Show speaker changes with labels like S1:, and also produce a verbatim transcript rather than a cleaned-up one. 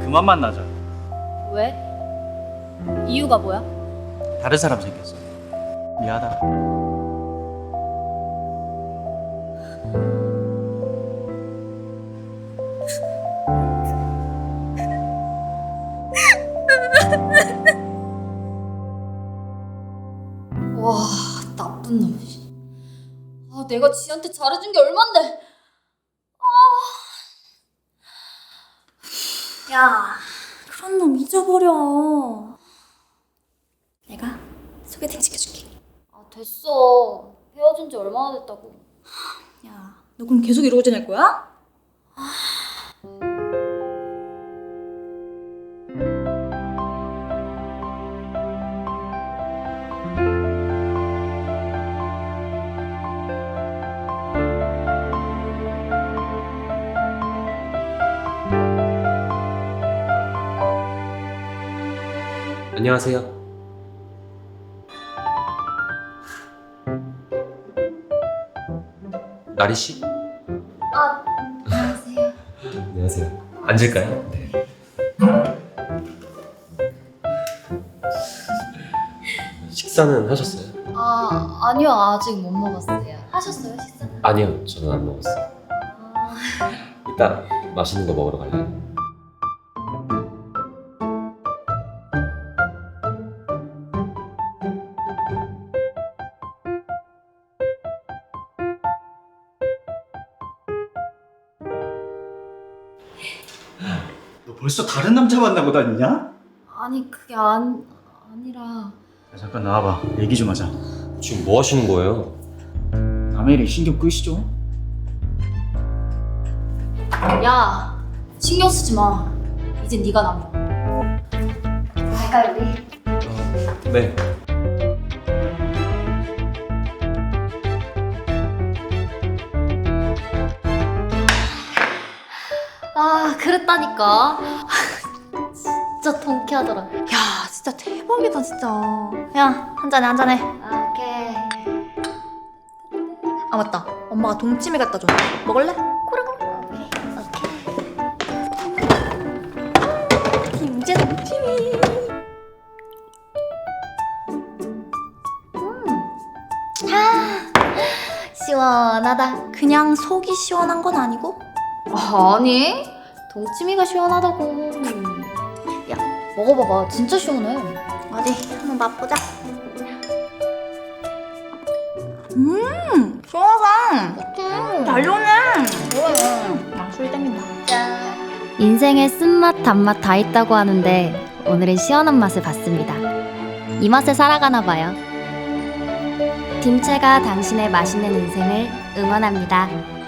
S1: 그만 만나자.
S2: 왜? 이유가 뭐야?
S1: 다른 사람 생겼어. 미안하다.
S2: 와, 나쁜 놈. 아, 내가 지한테 잘해준 게 얼만데. 아. 야, 그런 놈 잊어버려. 내가 소개팅 시켜줄게. 아, 됐어. 헤어진 지 얼마나 됐다고. 야, 너 그럼 계속 이러고 지낼 거야?
S3: 안녕하세요. 나리 씨?
S2: 아, 안녕하세요.
S3: 안녕하세요. 앉을까요? 네. 식사는 하셨어요?
S2: 아, 아니요. 아직 못 먹었어요. 하셨어요, 식사는?
S3: 아니요, 저는 안 먹었어요.
S2: 아,
S3: 이따 맛있는 거 먹으러 갈래요?
S1: 너 벌써 다른 남자 만나고 다니냐?
S2: 아니, 그게 안, 아니라.
S1: 야, 잠깐 나와봐. 얘기 좀 하자.
S3: 지금 뭐 하시는 거예요?
S1: 남의 일에 신경 끄시죠?
S2: 야, 신경 쓰지 마. 이제 네가 남아. 갈까 우리?
S3: 어, 네.
S2: 아, 그랬다니까. 진짜 통쾌하더라.
S4: 야, 진짜 대박이다, 진짜. 야, 한잔해, 한잔해.
S2: 아, 오케이.
S4: 아, 맞다. 엄마가 동치미 갖다 줬는데. 먹을래?
S2: 그래, 그래. 오케이.
S4: 김제 동치미. 아, 시원하다. 그냥 속이 시원한 건 아니고?
S2: 아, 아니. 동치미가 시원하다고. 야, 먹어봐봐. 진짜 시원해.
S4: 어디, 한번 맛보자. 음, 시원하다.
S2: 어때?
S4: 잘 좋네.
S2: 그래.
S4: 아, 술 땡긴다.
S5: 인생에 쓴맛 단맛 다 있다고 하는데 오늘은 시원한 맛을 봤습니다. 이 맛에 살아가나 봐요. 딤채가 당신의 맛있는 인생을 응원합니다.